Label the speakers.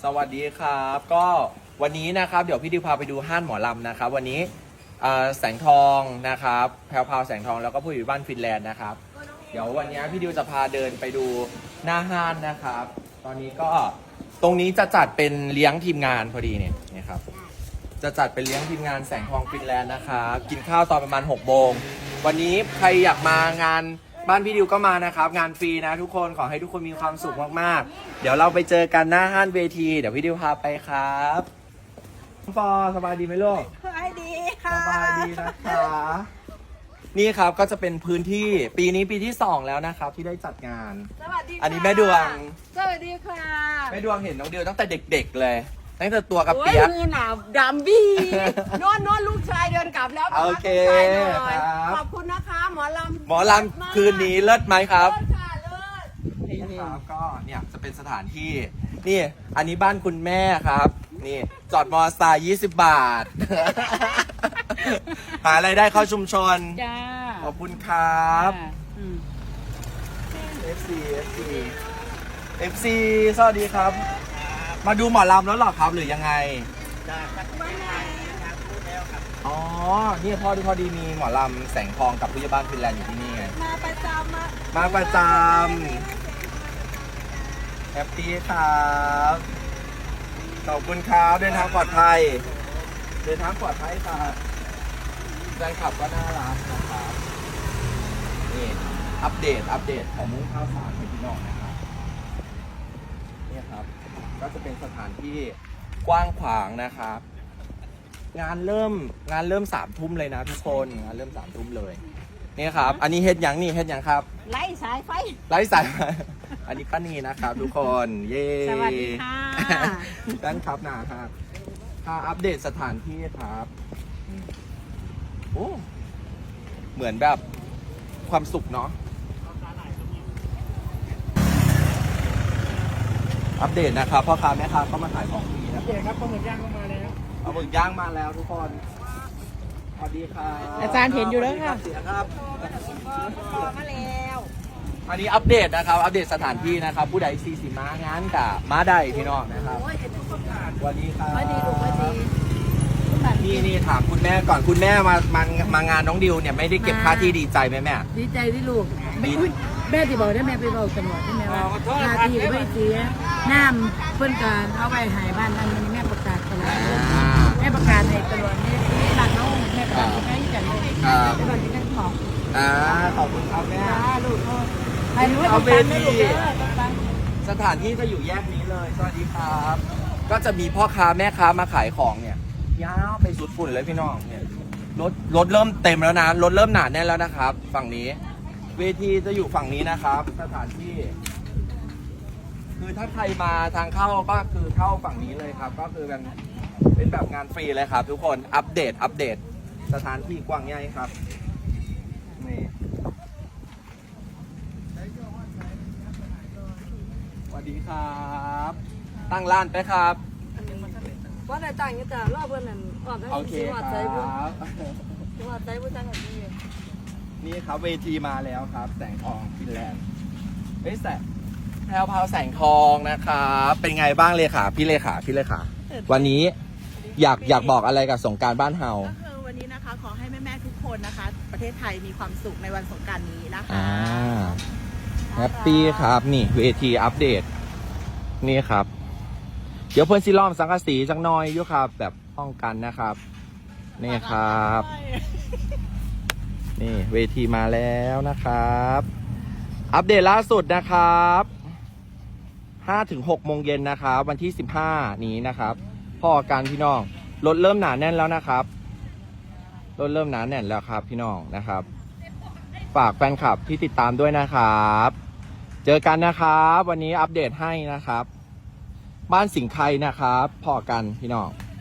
Speaker 1: สวัสดีครับก็วันนี้นะครับเดี๋ยวพี่ดิวพาไปดูห้านหมอลำนะครับวันนี้แสงทองนะครับแพรวพราวแสงทองแล้วก็ผู้อยู่บ้านฟินแลนด์นะครับเดี๋ยววันนี้พี่ดิวจะพาเดินไปดูหน้าห้านนะครับตอนนี้ก็ตรงนี้จะจัดเป็นเลี้ยงทีมงานพอดีเนี่ยนะครับจะจัดเป็นเลี้ยงทีมงานแสงทองฟินแลนด์นะครับกินข้าวตอนประมาณ6 โมงวันนี้ใครอยากมางานบ้านพี่ดิวก็มานะครับงานฟรีนะทุกคนขอให้ทุกคนมีความสุขมากๆเดี๋ยวเราไปเจอกันหน้าห้านเวทีเดี๋ยวพี่ดิวพาไปครับฟอสบายดีไหมลูก
Speaker 2: สบายดีค่ะ
Speaker 1: สบายดีนะคะนี่ครับก็จะเป็นพื้นที่ปีนี้ปีที่2แล้วนะครับที่ได้จัดงาน
Speaker 2: สวัสดีค่ะ
Speaker 1: อันนี้แม่ดวง
Speaker 2: สวัสดีค่ะ
Speaker 1: แม่ดวงเห็นน้องดิวตั้งแต่เด็กๆเลยตั้งแต่ตัวกับ
Speaker 2: โอ้ย
Speaker 1: เปียก
Speaker 2: มือหนาวดำบี้นอนลูกชายเดินกลับแล้ว
Speaker 1: โอเค
Speaker 2: ลูกชายหน่อย
Speaker 1: ครับ
Speaker 2: ขอบคุณนะคะหมอลำ
Speaker 1: หมอลำคืนนี้เลิศไหมครับ
Speaker 2: เลิศค่ะเลิศ
Speaker 1: นี่ครับก็เนี่ยจะเป็นสถานที่นี่อันนี้บ้านคุณแม่ครับนี่จอดมอเตอร์ไซค์20 บาท หารายได้เข้าชุมชน
Speaker 2: จ้า
Speaker 1: ขอบคุณครับ
Speaker 2: อืม
Speaker 1: FC สวัสดีครับ มาดูหมอลำแล้วเหรอครับหรือยังไงอ๋อเนี่ยพอดีมีหมอลำแสงทองกับผู้ใหญ่บ้านฟินแลนด์อยู่ที่นี่ไง
Speaker 2: มาประจำอะ
Speaker 1: มาประจำแฮปปี้ครับขอบคุณครับเดินทางปลอดภัยเดินทางปลอดภัยครับแฟนคลับก็น่ารักนะครับนี่อัปเดตของมุ้งข้าวสารให้พี่น้องนะครับนี่ครับก็จะเป็นสถานที่กว้างขวางนะครับงานเริ่ม3 ทุ่มเลยนะทุกคนงานเริ่ม3 ทุ่มเลยนี่ครับอันนี้เฮ็ดหยังครับ
Speaker 2: ไล่สายไฟ
Speaker 1: ไลฟ์สายอันนี้ป้านีนะครับทุกคน เย้
Speaker 2: สวัสดีค่ะ
Speaker 1: ด้านครับนะครับพาอัปเดตสถานที่ครับโอ้เหมือนแบบความสุขเนาะอัปเดตนะครับพ่อค้าแม่ค้าก็มาขายของฟรีนะ
Speaker 3: เจ๊ครับปลาหมึกย่างก็มาแล้ว
Speaker 1: เอาหมึกย่างมาแล้วทุกคนสวัสดีครับ
Speaker 3: อาจารย์เห็นอยู่แล้วค่ะ
Speaker 1: เสียครับ
Speaker 2: พอมาแล้ว
Speaker 1: อันนี้อัปเดตนะครับ อัปเดตสถานที่นะครับ ผู้ใดซีสีม้างานกับม้าใดพี่น้องนะครับ
Speaker 2: โอ้ยเห็นทุกคนผ่าน
Speaker 1: สวัสดีครับ
Speaker 2: ไม่ดีลูกไม่ดี
Speaker 1: นี่ถามคุณแม่ก่อนคุณแม่มางานน้องดิวเนี่ยไม่ได้เก็บค่าที่ดีใจไหมแม่
Speaker 3: ดีใจที่ลูก
Speaker 1: ดี
Speaker 3: อุ๊ยแม่ที่บอกได้แม่ไปบอกตำรวจที่แม่ว่าหน้าที่ไม่เสียน้ำเพิ่นการเอาไว้หายบ้านนั้นมันแม่ประกาศตลอดแม่ประกาศให้ตลอดนี่หลักน้องแม่ประกาศให้กันเลยไปบอกที่นั่นของ
Speaker 1: ขอบคุณครับแม่
Speaker 3: จ้าลูกก็ให้รู้ว่าต้องการได้ลูกเด้อต้องการ
Speaker 1: สถานที่จะอยู่แยกนี้เลย สวัสดีครับ ก็จะมีพ่อค้าแม่ค้ามาขายของเนี่ยยาวไปสุดฝุ่นเลยพี่น้องเนี่ยรถเริ่มเต็มแล้วนะรถเริ่มหนาแน่นแล้วนะครับ ฝั่งนี้ เวทีจะอยู่ฝั่งนี้นะครับ สถานที่ คือถ้าใครมาทางเข้าก็คือเข้าฝั่งนี้เลยครับ ก็คือเป็นแบบงานฟรีเลยครับ ทุกคนอัปเดตสถานที่กว้างใหญ่ครับนี่สวัสดีครับ ตั้งร้านไปครับ
Speaker 2: ว่าในต่างกันจ้ะรอบเพื่อนนั่นออกได้
Speaker 1: โอเค
Speaker 2: วัด
Speaker 1: ค
Speaker 2: ใจบุญ
Speaker 1: รับ
Speaker 2: วัดใจบุญจังแบบนี้
Speaker 1: นี่ครับเวทีมาแล้วครับ แสงทองฟินแลนด์เฮ้ยแพรวพราวแสงทองนะครับเป็นไงบ้างเลขาพี่เลขาวันนี้อยากบอกอะไรกับสงกรานต์บ้านเฮา
Speaker 4: ก็คือวันนี้นะคะขอให้แม่ๆทุกคนนะคะ ประเทศไทยมีความสุขในวันสงกรานต์นี้นะคะ
Speaker 1: แฮปปี้ครับนี่เวทีอัปเดตนี่ครับ เดี๋ยวเพื่อนซิล้อมสังกะสีจังน้อยอยู่ครับ แบบป้องกันนะครับนี่ครับ นี่เวทีมาแล้วนะครับ อัปเดตล่าสุดนะครับ5-6 โมงเย็นนะครับ วันที่15นี้นะครับพ่อการพี่น้องรถเริ่มหนาแน่นแล้วนะครับรถเริ่มหนาแน่นแล้วครับพี่น้องนะครับ ฝากแฟนคลับที่ติดตามด้วยนะครับ เจอกันนะครับ วันนี้อัปเดตให้นะครับ บ้านสิงห์ไคนะครับพ่อกันพี่น้อง